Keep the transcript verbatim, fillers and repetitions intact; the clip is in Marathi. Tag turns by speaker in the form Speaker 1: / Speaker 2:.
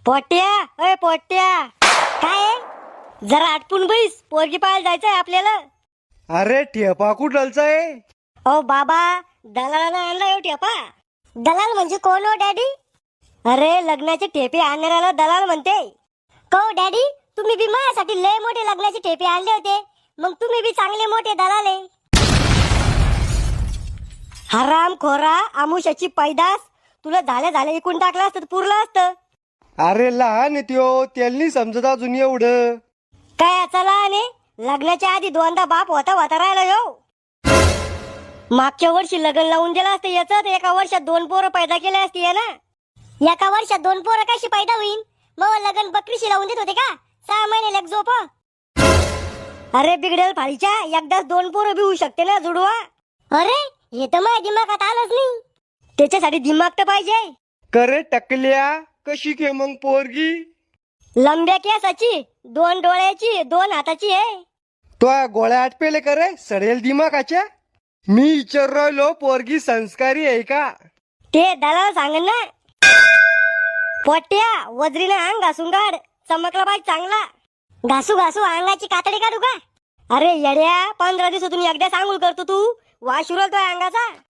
Speaker 1: पोट्या अय पोट्या काय जरा आटपून बैस, पोरगी पाहायला जायचंय आपल्याला.
Speaker 2: अरे ठेपा कुठलचा आहे?
Speaker 1: ओ बाबा, दलालानं आणला येऊ ठेपा. दलाल म्हणजे कोण हो डॅडी? अरे लग्नाचे ठेपे आणणाऱ्याला दलाल म्हणते. को डॅडी, तुम्ही बी माझ्यासाठी लय मोठे लग्नाचे ठेपे आणले होते, मग तुम्ही बी चांगले मोठे दलाल आहे. हराम खोरा, आमुष्याची पैदास, तुला झाल्या झाल्या इकून टाकलं असतं तर पुरलं असतं.
Speaker 2: अरे लहान आहे त्यो, त्यांनी समजत अजून एवढं.
Speaker 1: काय याचा लहान आहे? लग्नाच्या आधी दोनदा बाप होता होता राहिला यो. मागच्या वर्षी लग्न लावून दिलं असतं याच, तर एका वर्षात दोन पोरं पैदा केले असते ना. एका वर्षात दोन पोरं कशी पैदा होईल? मग लग्न बकरीशी लावून देत होते का? सहा महिने लेक झोप. अरे बिघडेल फाळीच्या, एकदाच दोन पोरं बी होऊ शकते ना जुडवा. अरे हे तर माझ्या दिमागात आलंच नाही. त्याच्यासाठी दिमाग तर पाहिजे.
Speaker 2: करे टकल्या, कशी के मग पोरगी?
Speaker 1: लंब्या केसाची, दोन डोळ्याची, दोन हाताची आहे.
Speaker 2: तो गोळ्या आटपेले करे सडेल दिमागाच्या. मी विचार राहिलो पोरगी संस्कारी आहे का?
Speaker 1: ते दलाल सांगन ना. पोट्या, वजरीने अंग घासून काढ, चमकला पाहिजे चांगला. घासू घासू अंगाची कातडी काढू का? अरे येड्या, पंधरा दिवसातून एकदा सांगून करतो तू, वाश उरलतोय अंगाचा.